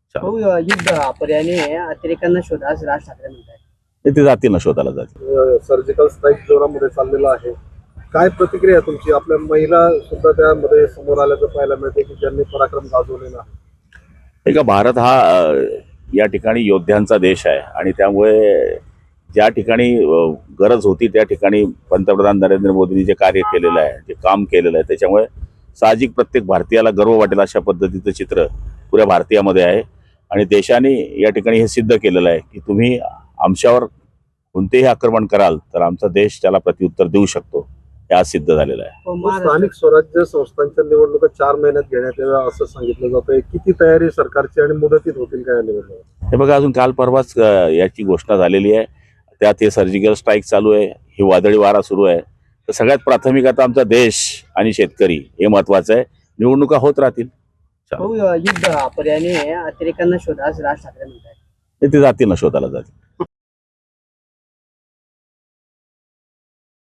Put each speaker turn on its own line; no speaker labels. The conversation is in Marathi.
हो, युद्ध पर्यायाने अतिरेक्यांना शोधा असं राज ठाकरे म्हणतात.
ते जातील ना, शोधाला जातील.
सर्जिकल स्ट्राईक जोरामध्ये चाललेला आहे. काय प्रतिक्रिया आहे तुमची? आपल्या महिला सुद्धा त्यामध्ये समोर आल्याचं पाहायला मिळते की ज्यांनी पराक्रम गाजवलेला आहे.
हे का, भारत हा या ठिकाणी योद्ध्यांचा देश आहे आणि त्यामुळे ज्या ठिकाणी गरज होती त्या ठिकाणी पंतप्रधान नरेंद्र मोदींनी जे कार्य केलेलं आहे, जे काम केलेलं आहे, त्याच्यामुळे साहजिक प्रत्येक भारतीयाला गर्व वाटेल अशा पद्धतीचं चित्र पुऱ्या भारतीयामध्ये आहे. आणि देशाने या ठिकाणी हे सिद्ध केलेलं आहे की तुम्ही आमच्यावर कोणतेही आक्रमण कराल तर आमचा देश त्याला प्रत्युत्तर देऊ शकतो. हे आज सिद्ध झालेलं आहे.
हो,
स्थानिक स्वराज्य संस्थांच्या निवडणुका 4 महिन्यात घेण्यात याव्या असं सांगितलं जातंय. किती तयारी सरकारची आणि मुदतीत होतील काय निवडणुका?
हे बघा, अजून काल परवाच याची घोषणा झालेली आहे. त्यात हे सर्जिकल स्ट्राईक चालू आहे, ही वादळी वारा सुरू आहे. तर सगळ्यात प्राथमिक आता आमचा देश आणि शेतकरी हे महत्वाचं आहे. निवडणुका होत राहतील.
हो, युद्ध पर्यायाने अतिरेक्यांना शोधा असं राज ठाकरे म्हणतात.
ते जातील ना, शोधाला जातील.